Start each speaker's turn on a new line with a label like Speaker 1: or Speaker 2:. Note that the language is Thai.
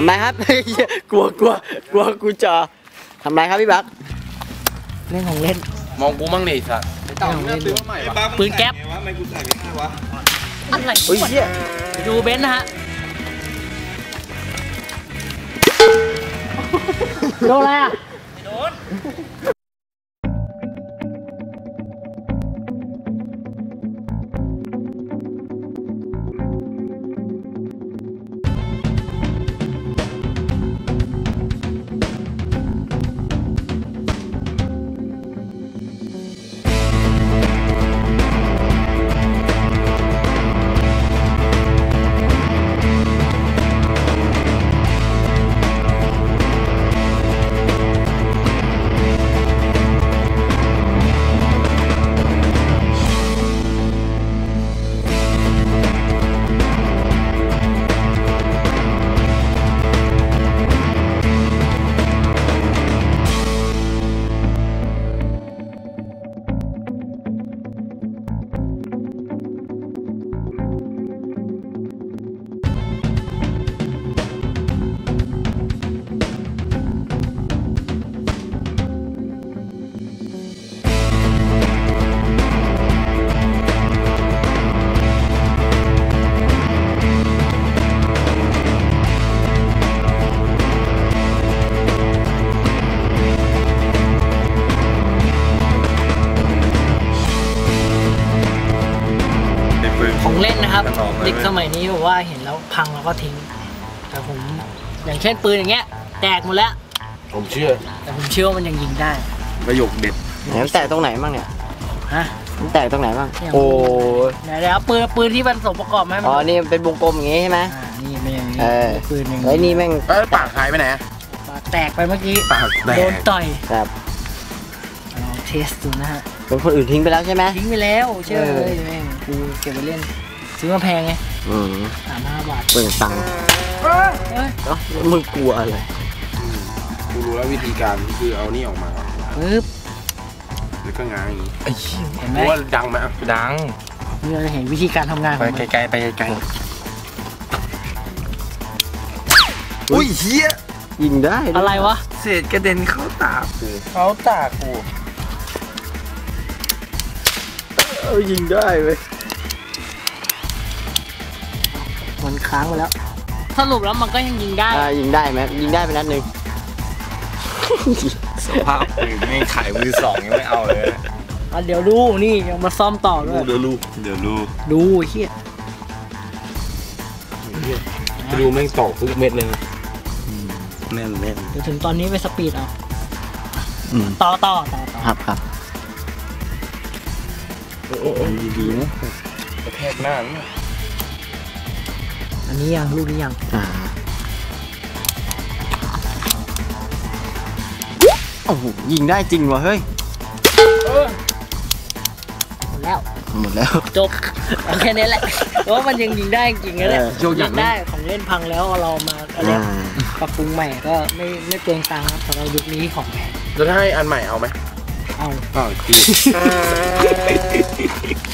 Speaker 1: ทำไรครับ กลัวกูจะทำไรครับพี่บักเล่นของเล่น
Speaker 2: มองกูมั่งดิสัตว์
Speaker 3: เต่าเนี่ยซื้อมาใหม่
Speaker 4: ปืนแก๊ป
Speaker 3: วะไม่กูใส่ไม่ได้วะ
Speaker 4: อะไรดูเบนซ์นะฮะโดนอะไรอ่ะโดนของเล่นนะครับเด็กสมัยนี้บอกว่าเห็นแล้วพังแล้วก็ทิ้งแต่ผมอย่างเช่นปืนอย่างเงี้ยแตกหมดแล้ว
Speaker 2: ผมเชื่อ
Speaker 4: แต่ผมเชื่อว่ามันยังยิงได้
Speaker 2: ประโยคเด็ด
Speaker 1: มันแตกตรงไหนบ้างเนี่ย
Speaker 4: ฮะ
Speaker 1: มันแตกตรงไหนบ้างโอ้
Speaker 4: เดี๋ยวปืนที่มันสมประกอบไหม
Speaker 1: อ๋อนี่เป็นวงกลมอย่างงี้ใช่ไหม
Speaker 4: นี่ไม่อย่างนี้ปืนอย่าง
Speaker 1: นี้นี่แม่ง
Speaker 2: ปากหายไปไหน
Speaker 4: ปากแตกไปเมื่อกี้โดนต่อย
Speaker 1: ครับ
Speaker 4: ลองเทสดูนะฮะ
Speaker 1: เป็นคนอื่นทิ้งไปแล้วใช่ไหม
Speaker 4: ทิ้งไปแล้วเชื่อเลยแม่งกูเก็บไปเล่นซื้อมาแพงไง35 บาท
Speaker 1: เปิดตังค์มึงกลัวอะไร
Speaker 2: กูรู้แล้ววิธีการคือเอานี่ออกมา
Speaker 4: ปึ๊บ
Speaker 2: แล้วก็ง้างอย่างนี้
Speaker 4: เห็นไหม
Speaker 2: ว่าดังไหมดัง
Speaker 4: นี่เราจะเห็นวิธีการทำงาน
Speaker 2: ไปไกลๆไปไกลอุ้ยเฮีย
Speaker 1: ยิงได้
Speaker 4: อะไรวะ
Speaker 2: เศษกระเด็นเข้าตากู
Speaker 1: ยิงได้เว้ย
Speaker 4: มันค้างไปแล้วสรุปแล้วมันก็ยังยิงได้
Speaker 1: ยิงได้ไหมยิงได้ไปนัดหนึ่ง
Speaker 2: สภาพปืนไม่ขายมือ 2ยังไม่เอาเลย
Speaker 4: เดี๋ยวดูนี่ยังมาซ่อมต่อด้วย
Speaker 2: เดี๋ยว
Speaker 4: ดูเฮีย
Speaker 2: ดูแม่งตอกทุกเม็ดเลยแน่น
Speaker 4: เดี๋ยวถึงตอนนี้ไปสปีดเอาต่อ
Speaker 1: ครับ
Speaker 2: ดีนะกระแทกหน้าเนี่ย
Speaker 4: อันนี้ยังลูกนี้ยัง
Speaker 1: โอ้โหยิงได้จริงวะเฮ้ย
Speaker 4: หมดแล้วจบแค่นี้แหละเพราะมันยังยิงได้จริงๆนะเนี่ยยิงได้ของเล่นพังแล้วเรามาอะไรปรับปรุงใหม่ก็ไม่เปลืองตังค์ครับสำหรับยุคนี้ของแพง
Speaker 2: จะให้อันใหม่เอาไหม
Speaker 4: เอา
Speaker 2: จริง